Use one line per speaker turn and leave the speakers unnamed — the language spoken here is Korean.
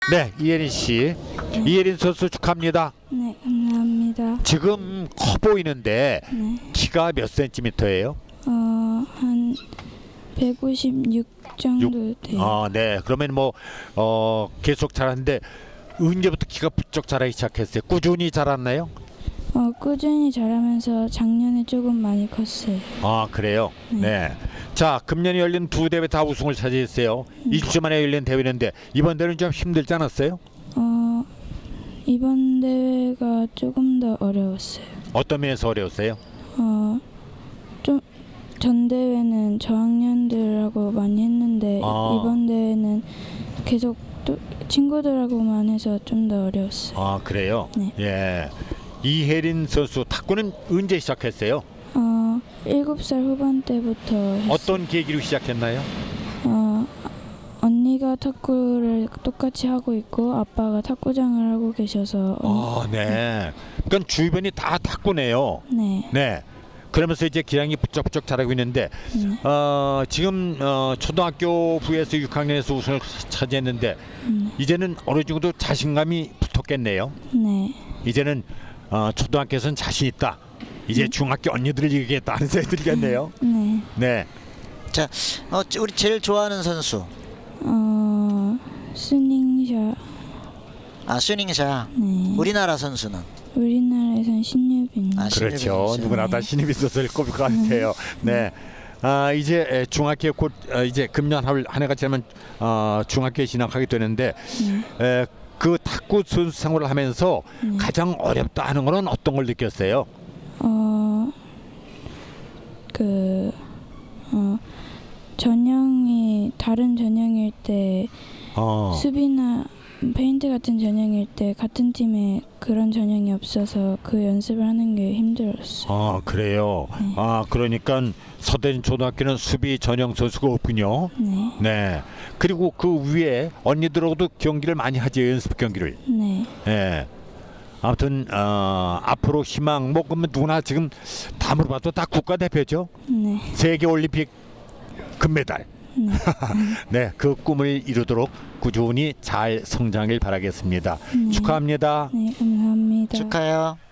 네, 이예린 씨. 이예린 선수 축하합니다.
네, 감사합니다.
지금 커 보이는데
네,
키가 몇 센티미터예요?
한 156 정도 돼요.
아, 네. 그러면 뭐 계속 자랐는데 언제부터 키가 부쩍 자라기 시작했어요? 꾸준히 자랐나요?
꾸준히 자라면서 작년에 조금 많이 컸어요.
아, 그래요. 네. 자, 금년에 열린 두 대회 다 우승을 차지했어요. 2주 만에 열린 대회인데 이번 대회는 좀 힘들지 않았어요?
이번 대회가 조금 더 어려웠어요.
어떤 면에서 어려웠어요?
좀 전 대회는 저학년들하고 많이 했는데 이번 대회는 계속 또 친구들하고만 해서 좀 더 어려웠어요.
아, 그래요?
네.
예. 이혜린 선수 탁구는 언제 시작했어요?
7살 후반 때부터 했어요.
어떤 계기로 시작했나요?
언니가 탁구를 똑같이 하고 있고 아빠가 탁구장을 하고 계셔서
아, 네. 그러니까 주변이 다 탁구네요.
네.
네. 그러면서 이제 기량이 부쩍부쩍 자라고 있는데 지금 초등학교 부에서 6학년에서 우승을 차지했는데 이제는 어느 정도 자신감이 붙었겠네요.
네.
이제는 초등학교에서는 자신 있다. 이제 중학교 언니들을 이기겠다 하는 생각이 들겠네요.
네.
네.
자, 우리 제일 좋아하는 선수.
스닝샷.
스닝샤.
네.
우리나라 선수는.
우리나라에선 신유빈.
그렇죠.
신유빈
누구나 다 신입이 선수를 꼽을 것 같아요. 네. 이제 중학교 곧 이제 금년 한 해가 지나면 중학교에 진학하게 되는데 그 탁구 선수 생활을 하면서 가장 어렵다 하는 거는 어떤 걸 느꼈어요?
전형이 다른 전형일 때 수비나 페인트 같은 전형일 때 같은 팀에 그런 전형이 없어서 그 연습을 하는 게 힘들었어요.
그래요.
네.
그러니까 서대인 초등학교는 수비 전형 선수가 없군요.
네.
네. 그리고 그 위에 언니들하고도 경기를 많이 하지, 연습 경기를.
네.
예. 아무튼 앞으로 희망 뭐 그러면 누구나 지금 다 물어봐도 다 국가대표죠.
네.
세계 올림픽 금메달.
네.
네, 그 꿈을 이루도록 꾸준히 잘 성장을 바라겠습니다. 축하합니다.
네, 감사합니다.
축하해요.